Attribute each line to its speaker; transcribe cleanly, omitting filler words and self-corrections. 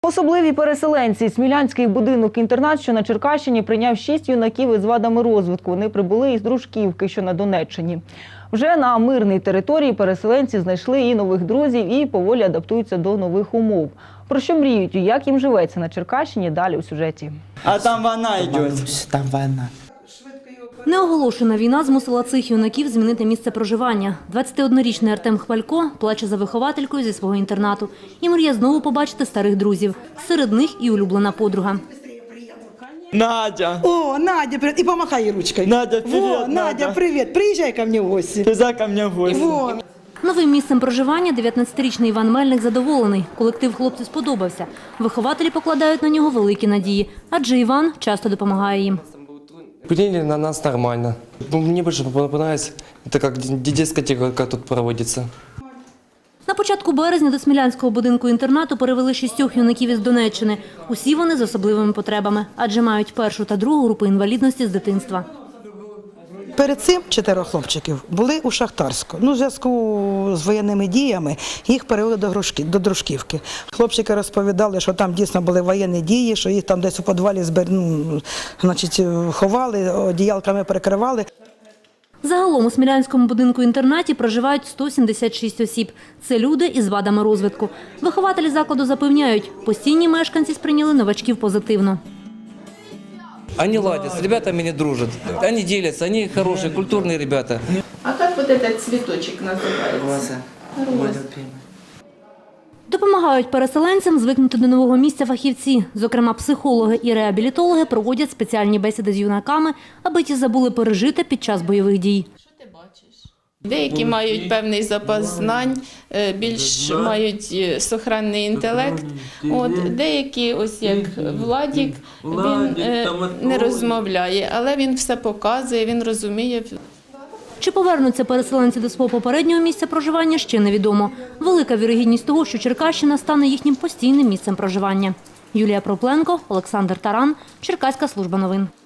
Speaker 1: Особливі переселенці. Смілянський будинок-інтернат, що на Черкащині, прийняв 6 юнаків із вадами розвитку. Вони прибули із Дружківки, що на Донеччині. Вже на мирній території переселенці знайшли і нових друзів, і поволі адаптуються до нових умов. Про що мріють і як їм живеться на Черкащині, далі у сюжеті.
Speaker 2: А там війна йде.
Speaker 3: Там війна.
Speaker 4: Неоголошена війна змусила цих юнаків змінити місце проживання. 21-річний Артем Хвалько плаче за вихователькою зі свого інтернату і мріє знову побачити старих друзів. Серед них і улюблена подруга.
Speaker 2: Надя.
Speaker 3: О, Надя, привет. И помахай ей ручкой.
Speaker 2: Надя, привет,
Speaker 3: Во, Надя, привет. Приезжай ко мне в гости.
Speaker 2: Ти ко мне в гості.
Speaker 3: Во.
Speaker 4: Новим місцем проживання 19-річний Іван Мельник задоволений. Колектив хлопцю сподобався. Вихователі покладають на нього великі надії, адже Іван часто допомагає їм.
Speaker 5: Приняли на нас нормально. Мне больше понравилось, это как дискотека тут проводится.
Speaker 4: На початку березня до Смілянського будинку-інтернату перевели 6 юнаків із Донеччини. Усі вони з особливими потребами, адже мають першу та другу групи інвалідності з дитинства.
Speaker 3: Перед цим 4 хлопчиків були у Шахтарську. В зв'язку з воєнними діями їх перевели до Дружківки. Хлопчики розповідали, що там дійсно були воєнні дії, що їх там десь у підвалі ховали, одіялками перекривали.
Speaker 4: Загалом у Смілянському будинку-інтернаті проживають 176 осіб. Це люди із вадами розвитку. Вихователі закладу запевняють, постійні мешканці сприйняли новачків позитивно.
Speaker 5: Они ладят, с ребятами не дружат. Они делятся, они хорошие, культурные ребята.
Speaker 6: А как вот этот цветочек называется? Роза.
Speaker 4: Допомагають переселенцям звикнути до нового місця фахівці. Зокрема, психологи і реабілітологи проводять спеціальні бесіди з юнаками, аби ті забули пережити під час бойових дій.
Speaker 6: Деякі мають певний запас знань, більш мають сохранний інтелект. Деякі, ось як Владік, він не розмовляє, але він все показує, він розуміє.
Speaker 4: Чи повернуться переселенці до свого попереднього місця проживання, ще невідомо. Велика вірогідність того, що Черкащина стане їхнім постійним місцем проживання. Юлія Пропленко, Олександр Таран, Черкаська служба новин.